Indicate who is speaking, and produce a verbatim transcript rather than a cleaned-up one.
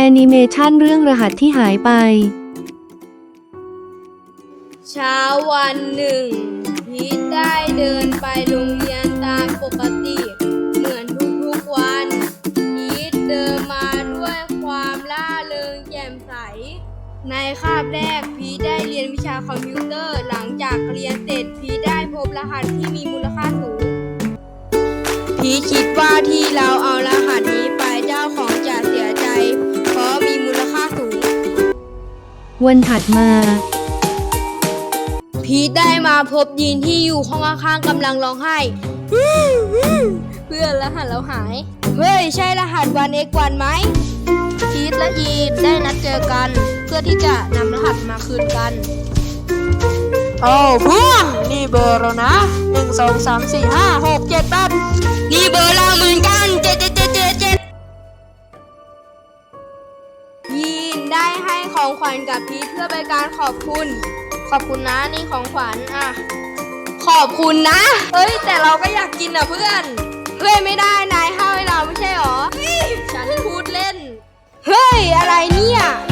Speaker 1: อนิเมชันเรื่องรหัสที่หายไป
Speaker 2: เช้าวันหนึ่งพีทได้เดินไปโรงเรียนตามปกติเหมือนทุกๆวันพีทเดินมาด้วยความร่าเริงแจ่มใสในคาบแรกพีทได้เรียนวิชาคอมพิวเตอร์หลังจากเรียนเสร็จพีทได้พบรหัสที่มีมูลค่าสูงพีทคิดว่าที่เราเอารหัสนี้ไปเจ้าของจะเสียใจเพราะมีมูลค่าสูง
Speaker 1: วันถัดมา
Speaker 2: พีทได้มาพบยีนที่อยู่ห้องข้างๆกำลังร้องไห้เพื่อนรหัสเราหายเฮ้ยใช่รหัสวันเอ็กวันไหมพีทและยีนได้นัดเจอกันเพื่อที่จะนำรหัสมาคืนกันโอ้เพื่อนนี่เบอร์เรานะหนึ่งสองสามสี่ห้าหกเจ็ดแปดนี่เบอร์เราเหมือนกันเจ็ดเจ็ดเจ็ดเจ็ดเจ็ดยีนได้ให้ของขวัญกับพีทเพื่อเป็นการขอบคุณขอบคุณนะนี่ของขวัญอ่ะขอบคุณนะเฮ้ยแต่เราก็อยากกินอ่ะเพื่อนเฮ้ยไม่ได้นายให้เราไม่ใช่หรอฉันพูดเล่นเฮ้ยอะไรเนี่ย